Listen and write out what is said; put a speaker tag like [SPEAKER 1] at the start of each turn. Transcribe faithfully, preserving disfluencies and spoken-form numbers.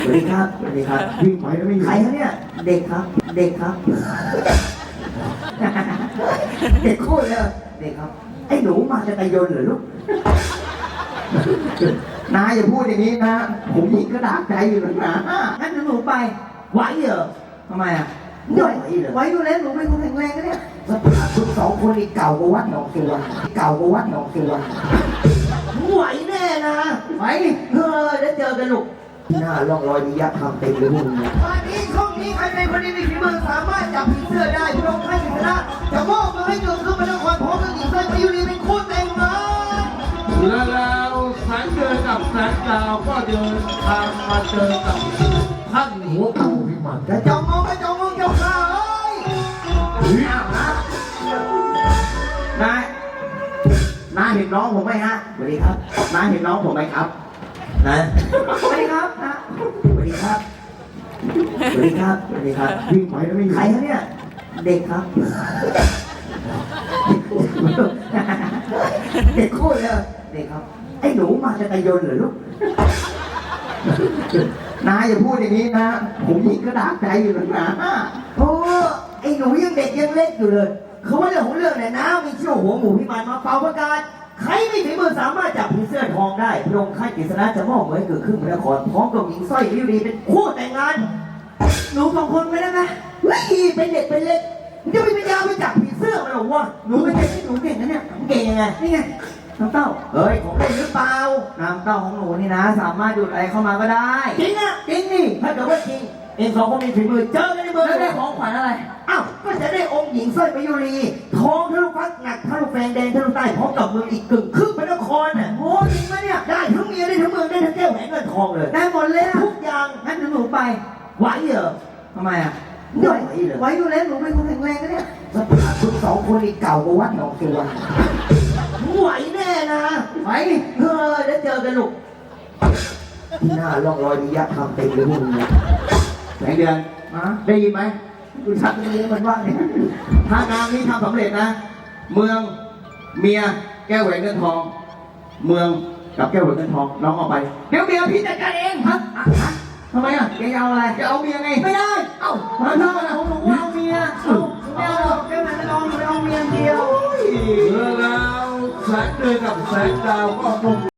[SPEAKER 1] สวัสดีครับสวัสดีครับวิ่งไปแล้วไม่อยู่ใครครับเนี่ยเด็กครับเด็กครับเด็กคู่เลยเด็กครับไอ้หนูมาจะตะยนเหรอลูกนาอย่าพูดอย่างนี้นะผมยิงกระดาษใจอยู่นะนะงั้นหนูไปไหวเหรอทำไมอ่ะไหวเหรอไหวอยู่แล้วหนูเป็นคนแข็งแรงนะเนี่ยสภาพคุณสองคนนี่เก่ากว่าวัดหนองตัวเก่ากว่าวัดหนองตัวไหวแน่นะไหวเฮ้ยแล้วเจอกันลูกหน้าล่องรอยมียักษ์ทำเต็มเลยพวกมึงวันนี้ช่องนี้ใครเป็นคนที่มีฝีมือสามารถจับผีเสื้อได้พระองค์ให้ชนะจะมอบมาให้เกิดขึ้นมาในความพร้อมกับหญิงเส้นพยุรีเป็นคู่แต่งงาน
[SPEAKER 2] แล้วแล้วแสงเดือนกับแสงดาวก็เดินทางมาเจอกับท่านหัวปูพิมาน
[SPEAKER 1] จะจองมองก็จองมองเจ้าข้าเอ้ยอ้าวนะนายนายเห็นน้องผมไหมฮะสวัสดีครับนายเห็นน้องผมไหมครับนะสวัสดีครับนะสวัสดีครับสวัสดีครับสวัสดีครับวิ่งไปแล้วไม่อยู่ใครครับเนี่ยเด็กครับเด็กคู่เลยเด็กครับไอ้หนูมาจะตะยนเหรอลูกนาอย่าพูดอย่างนี้นะผมยิงกระดาษใจอยู่นะโอ้ไอ้หนูยังเด็กยังเล็กอยู่เลยเขาว่าเรื่องของเรื่องเนี่ยนะมีเชี่ยวหัวหมูพิมานมาเป่าประกาศใครมีฝีมือสามารถจับผีเสื้อทองได้พระองค์ข้ากฤษณะจะมอบเหมือนเกิดขึ้นพระนครพร้อมกับหญิงสร้อยวิวดีเป็นคู่แต่งงานหนูสองคนไม่ได้ไหมเฮ้ยเป็นเด็กเป็นเล็กมึงจะมีปัญญาไปจับผีเสื้อมันหรอวะหนูเป็นเด็กที่หนูเก่งนะเนี่ยเก่งยังไงนี่ไงน้ำเต้าเฮ้ยของเล่นหรือเปล่าน้ำเต้าของหนูนี่นะสามารถดูดอะไรเข้ามาก็ได้จริงอ่ะจริงนี่ถ้าเกิดว่าจริงเองสองคนมีฝีมือเจอกันในเมืองแล้วได้ของขวัญอะไรอ้าวก็จะได้องค์หญิงสร้อยประยุรีทองทะลุฟักหนักทะลุแฟงแดงทะลุใต้พร้อมกับเมืองอีกกึ่งครึ่งพระนครน่ะโอ้จริงไหมเนี่ยได้ทั้งเมียได้ทั้งเมืองได้ทั้งแก้วแหวนเงินทองเลยได้หมดเลยทุกอย่างงั้นหนูไปไหวเหรอทำไมอ่ะไหวเหรอไหวอยู่แล้วหนูเป็นคนแข็งแรงนะเนี่ยสภาพคุณสองคนนี่เก่ากว่าวัดหนองตัวไหวแน่นะไหวเฮ้ยแล้วเจอกันลูกหน้าล่องรอยมียักษ์ทำเต็มเลยพวกมึงแสงเดือนได้ยินไหมคุณชักตรงนี้มันว่างเนี่ยถ้างานนี้ทำสำเร็จนะเมืองเมียแก้วแหวนเงินทองเมืองกับแก้วแหวนเงินทองน้องออกไปเดี๋ยวเมียพี่จัดการเองฮะทำไมอ่ะแกเอาอะไรแกเอาเมียไงไม่ได้เอ้ามาทำอะไรผมบอกว่าเอาเมียเอ้าไม่เอาหรอกแก้วแหวนเงินทองไม่เอาเมียเดียว
[SPEAKER 2] แล้วแล้วแสงเดือนกับแสงดาวก็คง